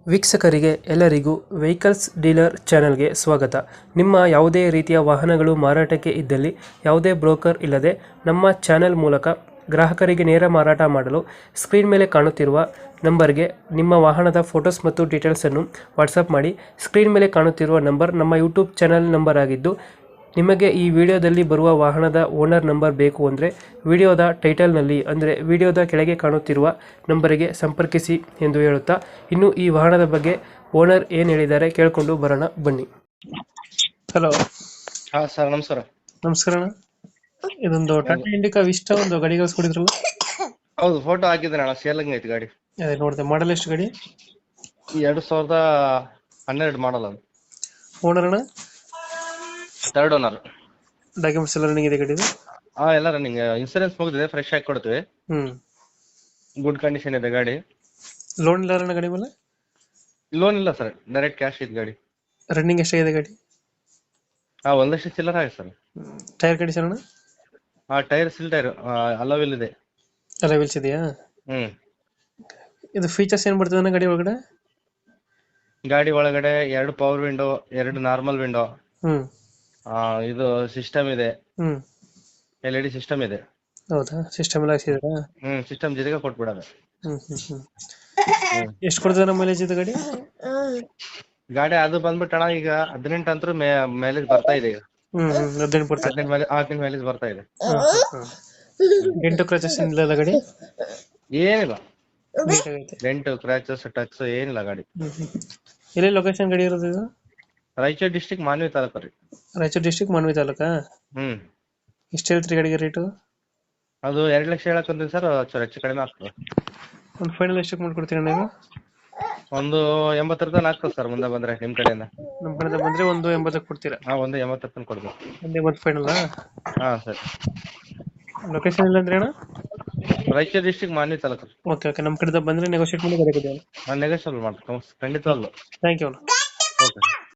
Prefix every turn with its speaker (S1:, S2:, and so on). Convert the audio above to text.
S1: ವೀಕ್ಷಕರಿಗೆ ಎಲ್ಲರಿಗೂ vehicles dealer ಚಾನೆಲ್ಗೆ ಸ್ವಾಗತ. ನಿಮ್ಮ ಯಾವುದೇ ರೀತಿಯ ವಾಹನಗಳು ಮಾರಾಟಕ್ಕೆ ಇದ್ದಲ್ಲಿ ಯಾವುದೇ ಬ್ರೋಕರ್ ಇಲ್ಲದೆ ನಮ್ಮ ಚಾನೆಲ್ ಮೂಲಕ ಗ್ರಾಹಕರಿಗೆ ನೇರ ಮಾರಾಟ ಮಾಡಲು ಸ್ಕ್ರೀನ್ ಮೇಲೆ ಕಾಣುತ್ತಿರುವ ನಂಬರ್ಗೆ ನಿಮ್ಮ ವಾಹನದ ಫೋಟೋಸ್ ಮತ್ತು ಡೀಟೇಲ್ಸನ್ನು ವಾಟ್ಸಪ್ ಮಾಡಿ. ಸ್ಕ್ರೀನ್ ಮೇಲೆ ಕಾಣುತ್ತಿರುವ ನಂಬರ್ ನಮ್ಮ ಯೂಟ್ಯೂಬ್ ಚಾನೆಲ್ ನಂಬರ್ ಆಗಿದ್ದು, ನಿಮಗೆ ಈ ವಿಡಿಯೋದಲ್ಲಿ ಬರುವ ವಾಹನದ ಓನರ್ ನಂಬರ್ ಬೇಕು ಅಂದರೆ ವಿಡಿಯೋದ ಟೈಟಲ್ನಲ್ಲಿ ಅಂದರೆ ವಿಡಿಯೋದ ಕೆಳಗೆ ಕಾಣುತ್ತಿರುವ ನಂಬರಿಗೆ ಸಂಪರ್ಕಿಸಿ ಎಂದು ಹೇಳುತ್ತಾ, ಇನ್ನು ಈ ವಾಹನದ ಬಗ್ಗೆ ಓನರ್ ಏನು ಹೇಳಿದ್ದಾರೆ ಕೇಳಿಕೊಂಡು ಬರೋಣ ಬನ್ನಿ. ಹಲೋ,
S2: ಹಾ ಸರ್, ನಮಸ್ಕಾರ.
S1: ನಮಸ್ಕಾರ ಅಣ್ಣ. ಇದೊಂದು ಟಾಟಾ ಇಂಡಿಕಾ ವಿಸ್ಟಾ ಒಂದು ಗಾಡಿ ಕಳಿಸ್ಕೊಡಿದ್ರಲ್ಲ?
S2: ಹೌದು, ಫೋಟೋ ಹಾಕಿದ್ರೆ ಅಣ್ಣ, ಸೇಲಂಗ್ ಐತಿ ಗಾಡಿ.
S1: ಅದೇ ನೋಡಿದೆ. ಮಾಡಲ್ ಎಷ್ಟು ಗಾಡಿ?
S2: 2012 ಮಾಡಲ್ ಅದು.
S1: ಓನರ್ ಅಣ್ಣ?
S2: Third owner.
S1: ಡಾಕ್ಯುಮೆಂಟ್ಸ್ ಎಲ್ಲ ರನ್ನಿಂಗ್ ಇದೆ ಗಾಡಿದು?
S2: ಹಾ, ಎಲ್ಲ ರನ್ನಿಂಗ್. ಇನ್ಸೂರೆನ್ಸ್ ಮುಗಿದಿದೆ, ಫ್ರೆಶ್ ಆಗಿ ಕೊಡ್ತೀವಿ. ಗುಡ್ ಕಂಡೀಷನ್ ಇದೆ ಗಾಡಿ.
S1: ಲೋನ್ ಇಲ್ಲ ಅಣ್ಣ ಗಾಡಿ ಮೇಲೆ?
S2: ಲೋನ್ ಇಲ್ಲ ಸರ್, ಡೈರೆಕ್ಟ್ ಕ್ಯಾಶ್ ಇದೆ ಗಾಡಿ.
S1: ರನ್ನಿಂಗ್ ಎಷ್ಟಾಗಿದೆ ಗಾಡಿ?
S2: ಹಾ, 1 ಲಕ್ಷ ಚಿಲ್ಲರ ಆಗಿದೆ ಸರ್.
S1: ಟೈರ್ ಕಂಡೀಷನ್ ಅಣ್ಣ?
S2: ಹಾ, ಟೈರ್ ಸಿಲ್ ಟೈರ್, ಅಲೋವಿಲ್ ಇದೆ.
S1: ಎಲ್ಲ ವೀಲ್ಸ್ ಇದೆಯಾ? ಇದು ಫೀಚರ್ಸ್ ಏನ್ ಬರ್ತದೆ ಅಣ್ಣ ಗಾಡಿ ಒಳಗಡೆ?
S2: ಗಾಡಿ ಒಳಗಡೆ 2 ಪವರ್ ವಿಂಡೋ, 2 ನಾರ್ಮಲ್ ವಿಂಡೋ,
S1: ಹ್ಮ್
S2: ಇದು ಸಿಸ್ಟಮ್ ಇದೆ,
S1: ಹ್ಮ್
S2: LED ಸಿಸ್ಟಮ್ ಇದೆ.
S1: ಹೌದಾ? ಸಿಸ್ಟಮ್ ಎಲ್ಲ ಹಾಕ್ಸಿದ್ರಾ?
S2: ಸಿಸ್ಟಮ್ ಜೊತೆಗೆ ಕೊಟ್ಬಿಡೋದು.
S1: ಎಷ್ಟು ಕೊಡ್ತದೆ ನಮ್ಮ ಮೈಲೇಜ್ ಇದು ಗಾಡಿ?
S2: ಗಾಡಿ ಅದು ಬಂದ್ಬಿಟ್ಟು ಅಣ್ಣ, ಈಗ 18 ಅಂತೂ ಮೈಲೇಜ್ ಬರ್ತಾ ಇದೆ. ಈಗ
S1: 18 ಬರ್ತದೆ.
S2: 18 ಮೈಲೇಜ್ ಬರ್ತಾ ಇದೆ.
S1: ಡೆಂಟು ಕ್ರಚಸ್ ಇಲ್ಲ ಗಾಡಿ?
S2: ಏನಿಲ್ಲ,
S1: ನೀಟಾಗೈತೆ.
S2: ಡೆಂಟ್ ಕ್ರ್ಯಾಚಸ್ ಟಚ್ ಏನಿಲ್ಲ ಗಾಡಿ.
S1: ಎಲ್ಲಿ ಲೊಕೇಶನ್ ಗಾಡಿ ಇರೋದು ಇದು?
S2: ರಾಯಚೂರು ಡಿಸ್ಟಿಕ್, ಮಾನ್ವಿ ತಾಲೂಕು ರೀ.
S1: ರಾಯಚೂರು ಡಿಸ್ಟಿಕ್, ಮಾನ್ವಿ ತಾಲೂಕಾ? ಎಷ್ಟು ಹೇಳ್ತೀರಿ ಗಾಡಿಗೆ ರೇಟು?
S2: ಅದು 2 ಲಕ್ಷ ಹೇಳಕ್ಕಂತೀನಿ ಸರ್, ಹೆಚ್ಚು ಕಡಿಮೆ ಆಗ್ತದೆ.
S1: ಒಂದು ಫೈನಲ್ ಎಷ್ಟಕ್ಕೆ ಮಾಡ್ಕೊಡ್ತೀರಾ ನೀವು?
S2: ಒಂದು 80 ತನಕ ಆಗ್ತದೆ ಸರ್, ಮುಂದೆ ಬಂದ್ರೆ ನಿಮ್ ಕಡೆಯಿಂದ.
S1: ನಮ್ಮ ಕಡೆಯಿಂದ ಬಂದ್ರೆ ಒಂದು 80ಕ್ಕೆ ಕೊಡ್ತೀರಾ?
S2: ಹಾ, ಒಂದು 80 ತನಕ ಕೊಡ್ಬೋದು.
S1: ಒಂದು 80 ಫೈನಲ್?
S2: ಹಾ ಸರ್.
S1: ಲೊಕೇಶನ್ ಇಲ್ಲ ಅಂದ್ರೆ ಅಣ್ಣ?
S2: Raichur district, Manvi taluk.
S1: Okay okay, ನಮ್ಮ ಕಡೆಯಿಂದ ಬಂದ್ರೆ ನೆಗೋಷಿಯೇಟ್ ಮಾಡಿ ಗಾಡಿ ಕೊಡಿ.
S2: ನಾನು ನೆಗೋಷಿಯಬಲ್ ಮಾಡ್ತೀನಿ ಖಂಡಿತವಾಗ್ಲು.
S1: Thank you.
S2: ಓಕೆ.